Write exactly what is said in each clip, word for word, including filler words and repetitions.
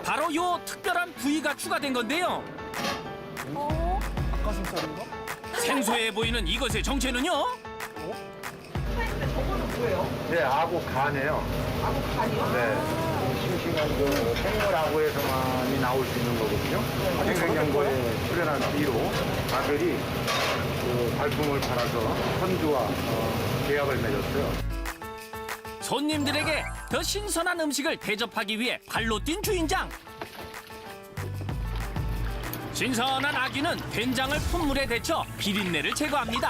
바로 요 특별한 부위가 추가된 건데요. 어? 닭가슴살인가? 생소해 보이는 이것의 정체는요? 사장님들 저거는 뭐예요? 네, 아구 간이에요. 아구 간이요? 네. 싱싱한 그 생물 아구에서만이 나올 수 있는 거거든요. 생생연구에 출연한 뒤로 아들이 그 발품을 팔아서 선주와 어, 계약을 맺었어요. 손님들에게 더 신선한 음식을 대접하기 위해 발로 뛴 주인장. 신선한 아귀는 된장을 푼물에 데쳐 비린내를 제거합니다.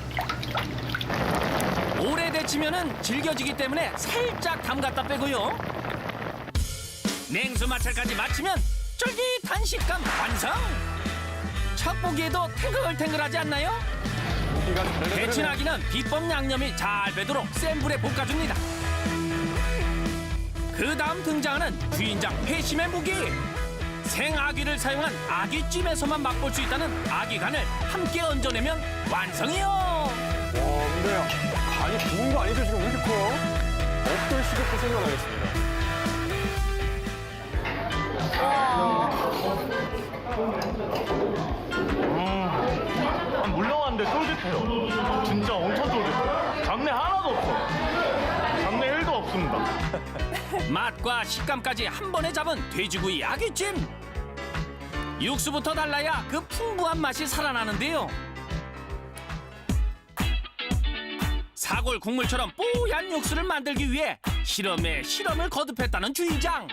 오래 데치면은 질겨지기 때문에 살짝 담갔다 빼고요. 냉수 마찰까지 마치면 쫄깃한 식감 완성! 첫 보기에도 탱글탱글하지 않나요? 고기가 잘 데친 아기는 비법 양념이 잘 배도록 센 불에 볶아줍니다. 그 다음 등장하는 주인장 회심의 무기. 생아귀를 사용한 아귀찜에서만 맛볼 수 있다는 아귀간을 함께 얹어내면 완성이요. 와, 근데 간이 구운 거 아니죠? 지금 왜 이렇게 커요? 어떤 식욕도 생겨나겠습니다. 음, 물렁한데 쫄깃해요. 진짜 엄청 쫄깃해요. 잡내 하나도 없어. 잡내 일도 없습니다. 맛과 식감까지 한 번에 잡은 돼지구이 아귀찜. 육수부터 달라야 그 풍부한 맛이 살아나는데요. 사골 국물처럼 뽀얀 육수를 만들기 위해 실험에 실험을 거듭했다는 주인장.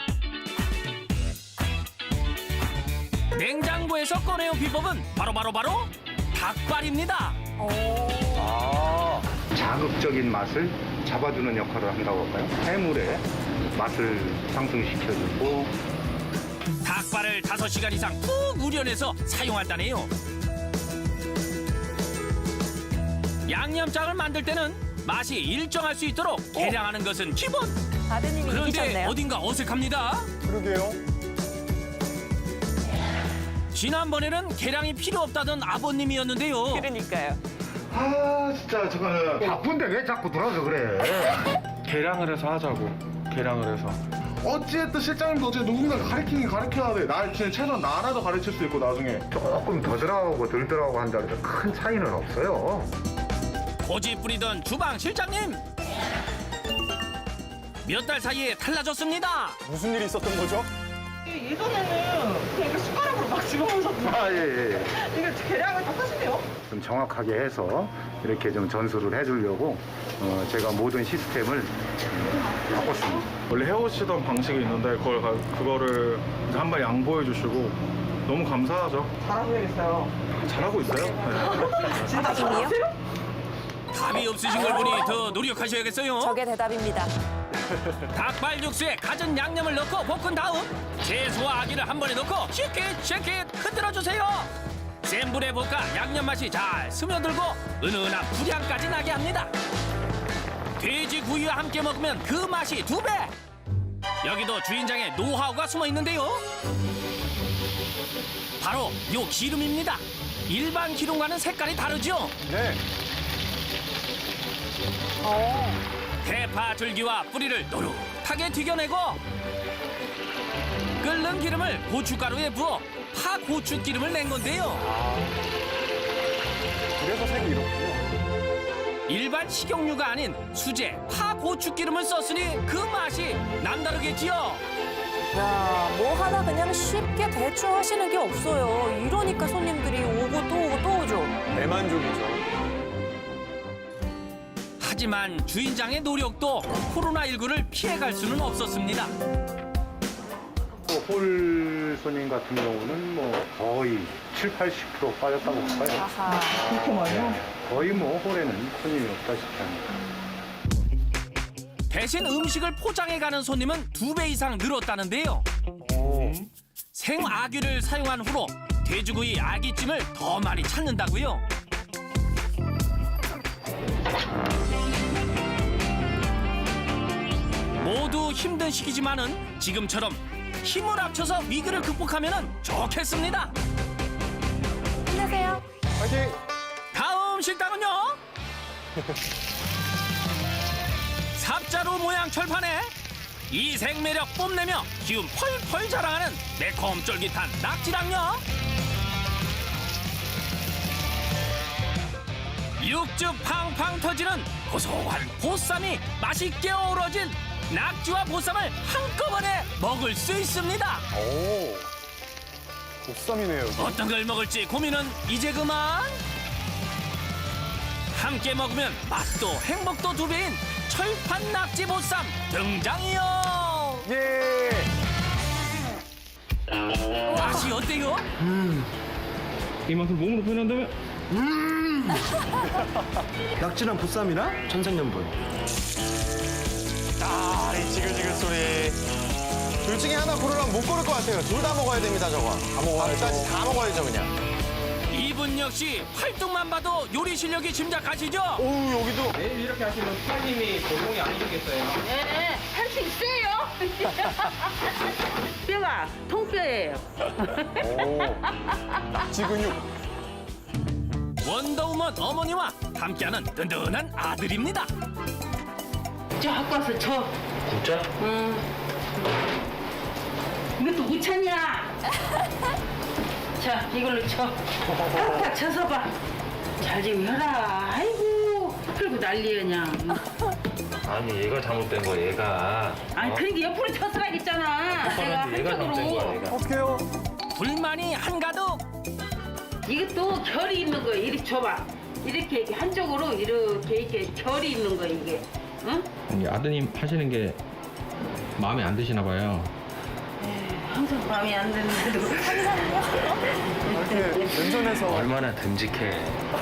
냉장고에서 꺼내온 비법은 바로바로 바로, 바로 닭발입니다. 아, 자극적인 맛을 잡아주는 역할을 한다고 할까요? 해물의 맛을 상승시켜주고 닭발을 다섯 시간 이상 푹 우려내서 사용한다네요. 양념장을 만들 때는 맛이 일정할 수 있도록 계량하는 것은 기본. 아드님이 그런데 이기셨네요. 어딘가 어색합니다. 그러게요. 지난번에는 계량이 필요 없다던 아버님이었는데요. 그러니까요. 아 진짜 저거는 바쁜데 왜 자꾸 들어서 그래. 계량을 해서 하자고. 계량을 해서. 어찌됐든 실장님도 어째 누군가 가르치긴 가르쳐야 돼. 나 지금 최소한 나라도 가르칠 수 있고 나중에. 조금 더 들어가고 덜 들어가고 한다 해서 큰 차이는 없어요. 고집 부리던 주방 실장님. 몇 달 사이에 달라졌습니다. 무슨 일이 있었던 거죠? 예전에는 그냥 이렇게 숟가락으로 막 집어먹었는데 아 예 예. 이게 계량을 다 하시네요? 좀 정확하게 해서 이렇게 좀 전수를 해주려고 어, 제가 모든 시스템을 음, 바꿨습니다. 원래 해오시던 방식이 있는데 그걸 가- 그거를 이제 한번 양보해 주시고 너무 감사하죠. 잘하고 해야겠어요. 잘하고 있어요. 네. 진짜 아드님이요? 잘하세요? 답이 없으신 걸 보니 더 노력하셔야겠어요. 저게 대답입니다. 닭발 육수에 갖은 양념을 넣고 볶은 다음 채소와 아기를 한 번에 넣고 쉐킷 쉐킷 흔들어주세요. 센 불에 볶아 양념 맛이 잘 스며들고 은은한 불향까지 나게 합니다. 돼지구이와 함께 먹으면 그 맛이 두 배. 여기도 주인장의 노하우가 숨어 있는데요. 바로 요 기름입니다. 일반 기름과는 색깔이 다르죠. 네. 어. 대파 줄기와 뿌리를 노릇하게 튀겨내고 끓는 기름을 고춧가루에 부어 파 고추 기름을 낸 건데요. 그래서 색이 이렇군요. 일반 식용유가 아닌 수제 파 고추 기름을 썼으니 그 맛이 남다르겠지요. 야, 뭐 하나 그냥 쉽게 대충 하시는 게 없어요. 이러니까 손님들이 오고 또 오고 또 오죠. 대만족이죠. 하지만 주인장의 노력도 코로나십구를 피해갈 수는 없었습니다. 또 홀 손님 같은 경우는 뭐 거의 칠, 팔십 퍼센트 빠졌다고 할까요? 아하. 그렇게 많이요? 거의 뭐 홀에는 손님이 없다시피 합니다. 대신 음식을 포장해가는 손님은 두 배 이상 늘었다는데요. 오. 생아귀를 사용한 후로 돼지구이 아귀찜을 더 많이 찾는다고요. 모두 힘든 시기지만은 지금처럼 힘을 합쳐서 위기를 극복하면 좋겠습니다. 힘내세요. 화이팅! 다음 식당은요. 삽자루 모양 철판에 이색 매력 뽐내며 기운 펄펄 자랑하는 매콤 쫄깃한 낙지랑요. 육즙 팡팡 터지는 고소한 보쌈이 맛있게 어우러진 낙지와 보쌈을 한꺼번에 먹을 수 있습니다. 오, 보쌈이네요. 여기. 어떤 걸 먹을지 고민은 이제 그만. 함께 먹으면 맛도 행복도 두 배인 철판 낙지 보쌈 등장이요. 예. 맛이 어때요? 이만큼 몸으로 표현한다면 낙지랑 보쌈이랑 천생연분. 아, 이 지글지글 소리. 둘 중에 하나 고르라면 못 고를 것 같아요. 둘 다 먹어야 됩니다, 저거. 다 먹어야죠. 밥까지 다 먹어야죠, 그냥. 이분 역시 활동만 봐도 요리 실력이 짐작하시죠? 오우, 여기도. 매일 이렇게 하시면 수사님이 고동이 아니시겠어요? 네, 할 수 있어요. 뼈가 통뼈예요. 오, 낙지 근육. 원더우먼 어머니와 함께하는 든든한 아들입니다. 저 갖고 와서 쳐. 진짜? 응. 이것도 우찬이야. 자, 이걸로 쳐. 딱 쳐서 봐. 잘 좀 해라. 아이고, 그리고 난리야 그냥. 아니 얘가 잘못된 거야 얘가. 아니, 그러니까 옆으로 쳐서 가겠잖아. 내가 얘가 잘못된 거야 한쪽으로. 얘가. 어떡해요? 불만이 한가득. 이것도 결이 있는 거야. 이렇게 줘봐. 이렇게, 이렇게 한쪽으로 이렇게 이렇게 결이 있는 거야 이게. 응? 이 아드님 하시는 게 마음에 안 드시나 봐요. 항상 마음에 안 드는데도. 이렇게 왼손에서. 얼마나 듬직해.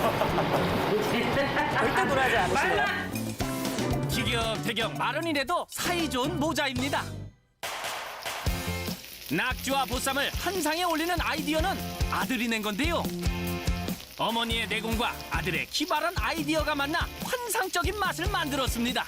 절대 굴하지 않으시네요. 말라. 티격태격 마른이라도 사이좋은 모자입니다. 낙지와 보쌈을 한 상에 올리는 아이디어는 아들이 낸 건데요. 어머니의 내공과 아들의 기발한 아이디어가 만나 환상적인 맛을 만들었습니다.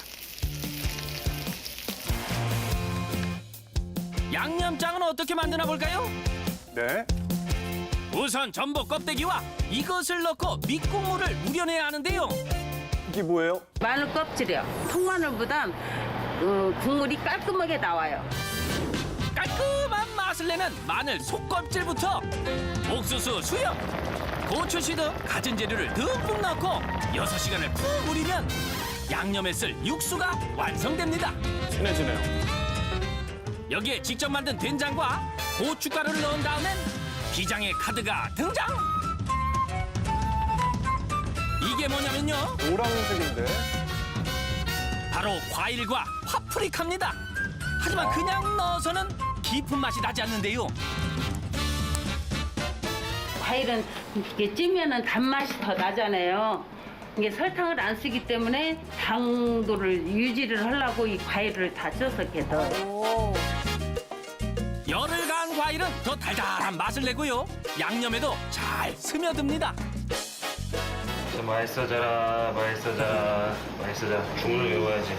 양념장은 어떻게 만드나 볼까요? 네. 우선 전복 껍데기와 이것을 넣고 밑국물을 우려내야 하는데요. 이게 뭐예요? 마늘 껍질이요. 통마늘보단 어, 국물이 깔끔하게 나와요. 깔끔한 맛을 내는 마늘 속껍질부터 옥수수, 수염, 고추씨 등 갖은 재료를 듬뿍 넣고 여섯 시간을 푹 우리면 양념에 쓸 육수가 완성됩니다. 진해지네요. 여기에 직접 만든 된장과 고춧가루를 넣은 다음엔 비장의 카드가 등장! 이게 뭐냐면요, 노란색인데. 바로 과일과 파프리카입니다. 하지만 그냥 넣어서는 깊은 맛이 나지 않는데요. 과일은 이렇게 찌면은 단맛이 더 나잖아요. 이게 설탕을 안 쓰기 때문에 당도를 유지를 하려고 이 과일을 다 써서 이렇게 넣어요. 오. 열을 가한 과일은 더 달달한 맛을 내고요. 양념에도 잘 스며듭니다. 좀 맛있어져라 맛있어져라 맛있어져라. 주문을 외워야지.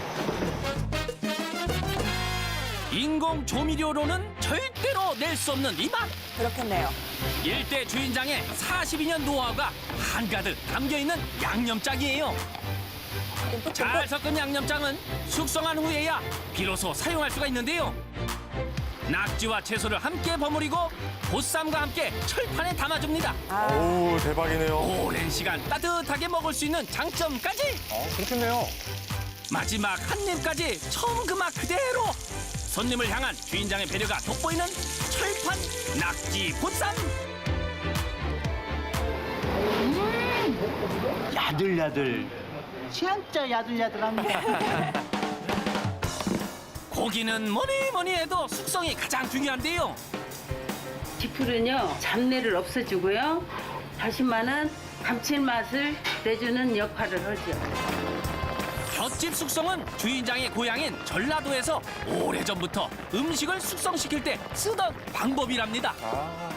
인공 조미료로는 절대로 낼 수 없는 이 맛. 그렇겠네요. 일대 주인장의 사십이 년 노하우가 한가득 담겨있는 양념장이에요. 듬뿍 잘 섞은 양념장은 숙성한 후에야 비로소 사용할 수가 있는데요. 낙지와 채소를 함께 버무리고 보쌈과 함께 철판에 담아줍니다. 아, 오, 대박이네요. 오랜 시간 따뜻하게 먹을 수 있는 장점까지. 어, 그렇겠네요. 마지막 한 입까지 처음 그 맛 그대로. 손님을 향한 주인장의 배려가 돋보이는 철판 낙지 보쌈. 야들야들. 진짜 야들야들합니다. 고기는 뭐니 뭐니 해도 숙성이 가장 중요한데요. 지풀은요 잡내를 없애주고요. 다시마는 감칠맛을 내주는 역할을 하죠. 볏짚 숙성은 주인장의 고향인 전라도에서 오래전부터 음식을 숙성시킬 때 쓰던 방법이랍니다. 아,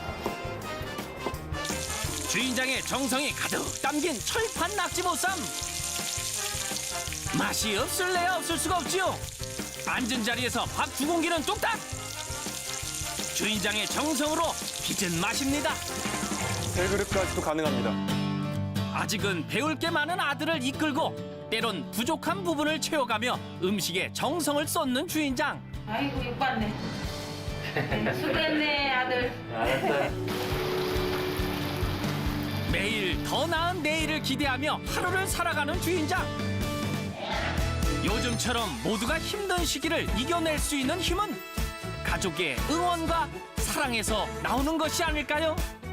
주인장의 정성이 가득 담긴 철판 낙지보쌈. 맛이 없을래야 없을 수가 없지요. 앉은 자리에서 밥 두 공기는 뚝딱. 주인장의 정성으로 빚은 맛입니다. 세 그릇까지도 가능합니다. 아직은 배울 게 많은 아들을 이끌고 때론 부족한 부분을 채워가며 음식에 정성을 쏟는 주인장. 아이고 욕받네. 수고했네 아들. 매일 더 나은 내일을 기대하며 하루를 살아가는 주인장. 요즘처럼 모두가 힘든 시기를 이겨낼 수 있는 힘은 가족의 응원과 사랑에서 나오는 것이 아닐까요?